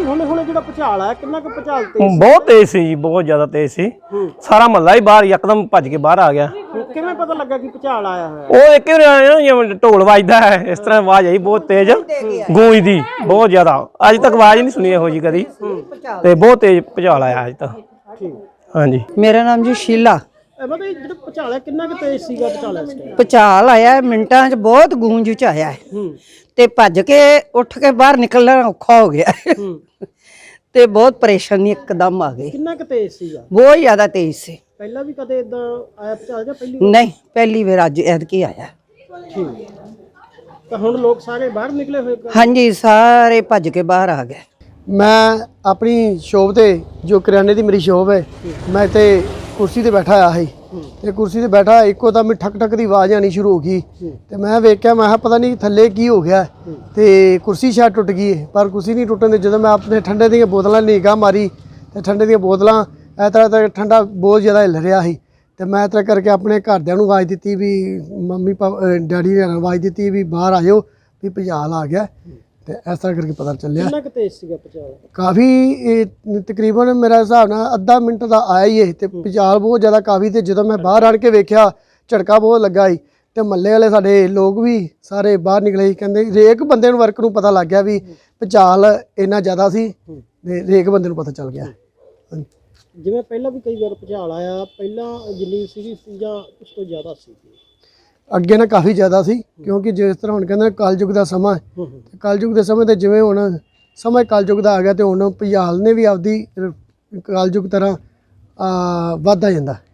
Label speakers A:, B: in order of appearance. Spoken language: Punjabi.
A: ਹੁਣੇ ਹੁਣੇ ਜਿਹੜਾ ਭੁਚਾਲ ਆਇਆ ਕਿੰਨਾ ਕੁ ਭੁਚਾਲ ਤੇਜ਼
B: ਬਹੁਤ ਤੇਜ਼ ਸੀ ਜੀ, ਬਹੁਤ ਜ਼ਿਆਦਾ ਤੇਜ਼ ਸੀ। ਸਾਰਾ ਮਹੱਲਾ ਹੀ ਬਾਹਰ ਯਕਦਮ ਭੱਜ ਕੇ ਬਾਹਰ ਆ ਗਿਆ।
A: ਕਿਵੇਂ ਪਤਾ ਲੱਗਾ ਕਿ ਭੁਚਾਲ ਆਇਆ ਹੋਇਆ?
B: ਉਹ ਇੱਕ ਵਾਰ ਆਇਆ ਨਾ ਜਿਵੇਂ ਢੋਲ ਵੱਜਦਾ ਹੈ ਇਸ ਤਰ੍ਹਾਂ ਆਵਾਜ਼ ਆਈ ਬਹੁਤ ਤੇਜ਼ ਗੂੰਜਦੀ ਬਹੁਤ ਜ਼ਿਆਦਾ। ਅੱਜ ਤੱਕ ਆਵਾਜ਼ ਨਹੀਂ ਸੁਣੀ ਇਹੋ ਜੀ ਕਦੀ ਤੇ ਬਹੁਤ ਤੇਜ਼ ਭੁਚਾਲ ਆਇਆ ਅੱਜ ਤੱਕ। ਹਾਂਜੀ
C: ਮੇਰਾ ਨਾਮ ਜੀ ਸ਼ੀਲਾ।
A: ਮਤਲਬ ਜਿਹੜਾ ਭੁਚਾਲ ਹੈ ਕਿੰਨਾ ਕੁ ਤੇਜ਼ ਸੀਗਾ ਭੁਚਾਲ ਇਸ ਟਾਈਮ?
C: ਭੁਚਾਲ ਆਇਆ ਮਿੰਟਾਂ 'ਚ, ਬਹੁਤ ਗੂੰਜ ਚ ਆਇਆ ਤੇ ਭੱਜ ਕੇ ਉੱਠ ਕੇ ਬਾਹਰ ਨਿਕਲਣਾ ਔਖਾ ਹੋ ਗਿਆ ਤੇ ਬਹੁਤ ਪਰੇਸ਼ਾਨੀ ਇੱਕਦਮ ਆ ਗਈ।
A: ਕਿੰਨਾ ਕੁ ਤੇਜ਼ ਸੀਗਾ?
C: ਬਹੁਤ ਜ਼ਿਆਦਾ ਤੇਜ਼ ਸੀ।
A: ਪਹਿਲਾਂ ਵੀ ਕਦੇ ਇਦਾਂ ਆਇਆ ਭੁਚਾਲ ਜਾਂ ਪਹਿਲੀ?
C: ਨਹੀਂ, ਪਹਿਲੀ ਵਾਰ ਅੱਜ ਐਤਕੀ ਆਇਆ।
A: ਠੀਕ ਤਾਂ ਹੁਣ ਲੋਕ ਸਾਰੇ ਬਾਹਰ ਨਿਕਲੇ ਹੋਏ?
C: ਹਾਂਜੀ, ਸਾਰੇ ਭੱਜ ਕੇ ਬਾਹਰ ਆ ਗਏ।
D: ਮੈਂ ਆਪਣੀ ਸ਼ੋਪ ਤੇ ਜੋ ਕਰਿਆਨੇ ਦੀ ਮੇਰੀ ਸ਼ੋਪ ਹੈ, ਮੈਂ ਤੇ ਕੁਰਸੀ ਤੇ ਬੈਠਾ ਆ ਸੀ ਤੇ ਕੁਰਸੀ ਤੇ ਬੈਠਾ ਇੱਕੋ ਦਮ ਠਕ ਠਕ ਦੀ ਆਵਾਜ਼ ਆਣੀ ਸ਼ੁਰੂ ਹੋ ਗਈ ਤੇ ਮੈਂ ਵੇਖਿਆ, ਮੈਂ ਕਿਹਾ ਪਤਾ ਨਹੀਂ ਥੱਲੇ ਕੀ ਹੋ ਗਿਆ ਤੇ ਕੁਰਸੀ ਸ਼ਾਇਦ ਟੁੱਟ ਗਈ ਹੈ, ਪਰ ਕੁਰਸੀ ਨਹੀਂ ਟੁੱਟਣ ਦੇ। ਜਦੋਂ ਮੈਂ ਆਪਣੇ ਠੰਡੇ ਦੀਆਂ ਬੋਤਲਾਂ ਨਿਗਾਹ ਮਾਰੀ ਤੇ ਠੰਡੇ ਦੀਆਂ ਬੋਤਲਾਂ ਇਸ ਤਰ੍ਹਾਂ ਠੰਡਾ ਬਹੁਤ ਜ਼ਿਆਦਾ ਹਿੱਲ ਰਿਹਾ ਸੀ ਤੇ ਮੈਂ ਇਸ ਤਰ੍ਹਾਂ ਕਰਕੇ ਆਪਣੇ ਘਰਦਿਆਂ ਨੂੰ ਆਵਾਜ਼ ਦਿੱਤੀ ਵੀ ਮੰਮੀ ਡੈਡੀ ਨੇ ਆਵਾਜ਼ ਦਿੱਤੀ ਵੀ ਬਾਹਰ ਆ ਜਾਓ ਵੀ ਭੁਚਾਲ ਆ ਗਿਆ ਤੇ ਇਸ ਤਰ੍ਹਾਂ ਕਰਕੇ ਪਤਾ ਚੱਲਿਆ।
A: ਕਿੰਨਾ ਕੁ ਤੇਜ਼ ਸੀਗਾ ਭੁਚਾਲ?
D: ਕਾਫੀ ਤਕਰੀਬਨ ਮੇਰਾ ਹਿਸਾਬ ਨਾਲ ਅੱਧਾ ਮਿੰਟ ਦਾ ਆਇਆ ਹੀ ਇਹ ਤੇ ਭੁਚਾਲ ਬਹੁਤ ਜ਼ਿਆਦਾ ਕਾਫੀ। ਤੇ ਜਦੋਂ ਮੈਂ ਬਾਹਰ ਆਣ ਕੇ ਵੇਖਿਆ ਝਟਕਾ ਬਹੁਤ ਲੱਗਾ ਸੀ ਤੇ ਮੱਲੇ ਵਾਲੇ ਸਾਡੇ ਲੋਕ ਵੀ ਸਾਰੇ ਬਾਹਰ ਨਿਕਲੇ ਸੀ। ਕਹਿੰਦੇ ਹਰੇਕ ਬੰਦੇ ਨੂੰ ਵਰਕ ਨੂੰ ਪਤਾ ਲੱਗ ਗਿਆ ਵੀ ਭੁਚਾਲ ਇੰਨਾ ਜ਼ਿਆਦਾ ਸੀ ਤੇ ਹਰੇਕ ਬੰਦੇ ਨੂੰ ਪਤਾ ਚੱਲ ਗਿਆ।
A: ਜਿਵੇਂ ਪਹਿਲਾਂ ਵੀ ਕਈ ਵਾਰ ਭੁਚਾਲ ਆਇਆ, ਪਹਿਲਾਂ ਜਿੰਨੀ ਸੀਗੀ ਜਾਂ ਉਸ ਤੋਂ ਜ਼ਿਆਦਾ ਸੀ?
D: ਅੱਗੇ ਨਾ ਕਾਫੀ ਜ਼ਿਆਦਾ ਸੀ, ਕਿਉਂਕਿ ਜਿਸ ਤਰ੍ਹਾਂ ਹੁਣ ਕਹਿੰਦੇ ਕਲਯੁਗ ਦਾ ਸਮਾਂ, ਕਲਯੁਗ ਦੇ ਸਮੇਂ ਤੇ ਜਿਵੇਂ ਹੁਣ ਸਮਾਂ ਕਲਯੁਗ ਦਾ ਆ ਗਿਆ ਤੇ ਹੁਣ ਭੁਚਾਲ ਨੇ ਵੀ ਆਪਦੀ ਕਲਯੁਗ ਤਰ੍ਹਾਂ ਵੱਧਦਾ ਜਾਂਦਾ।